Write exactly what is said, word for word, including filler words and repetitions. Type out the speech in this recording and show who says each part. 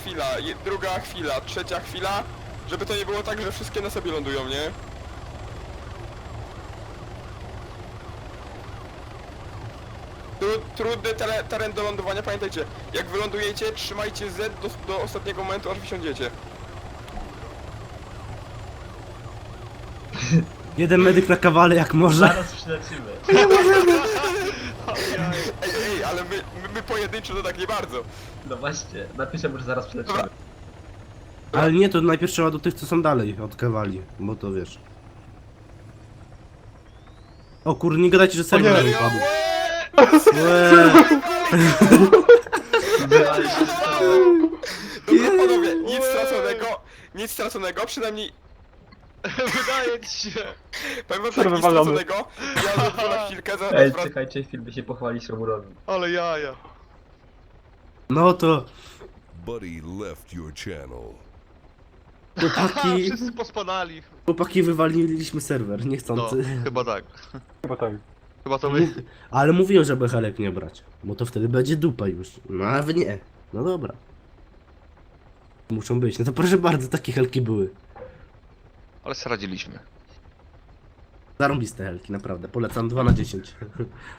Speaker 1: chwila, je, druga chwila, trzecia chwila, żeby to nie było tak, że wszystkie na sobie lądują, nie? Tru, trudny tele, teren do lądowania, pamiętajcie, jak wylądujecie, trzymajcie Z do, do ostatniego momentu, aż wysiądziecie.
Speaker 2: Jeden medyk na kawale jak może.
Speaker 3: Zaraz przylecimy.
Speaker 1: Ej, ej, ale my, my, my pojedynczo to tak nie bardzo.
Speaker 3: No właśnie, napiszę mu, że zaraz przylecimy.
Speaker 2: Ale nie, to najpierw trzeba do tych, co są dalej od kawali, bo to wiesz. O kurde, nie gadajcie, że serwer
Speaker 4: nie.
Speaker 2: nie upadł. Łe.
Speaker 3: Wylali się z tego.
Speaker 1: Dobra, panowie, nic straconego, nic straconego, przynajmniej,
Speaker 4: Wydaje ci się.
Speaker 1: powiem wam tak,
Speaker 4: Serwer
Speaker 1: nic
Speaker 4: walony.
Speaker 1: straconego, ja zadzwonię na chwilkę, za,
Speaker 3: Ej,
Speaker 1: wrac-
Speaker 3: czekajcie, film by się pochwalić Romurowi.
Speaker 4: Ale jaja.
Speaker 2: No to
Speaker 5: Buddy left your channel.
Speaker 2: chłopaki,
Speaker 4: Wszyscy pospadali.
Speaker 2: chłopaki wywaliliśmy serwer,
Speaker 4: No,
Speaker 2: niechcący.
Speaker 4: chyba tak.
Speaker 6: Chyba tak.
Speaker 4: Chyba to my.
Speaker 2: Ale mówiłem, żeby helek nie brać, bo to wtedy będzie dupa już. No a wy nie. No dobra. Muszą być. No to proszę bardzo, takie helki były.
Speaker 4: Ale sobie radziliśmy.
Speaker 2: Zarąbiste helki, naprawdę. Polecam dwa na dziesięć.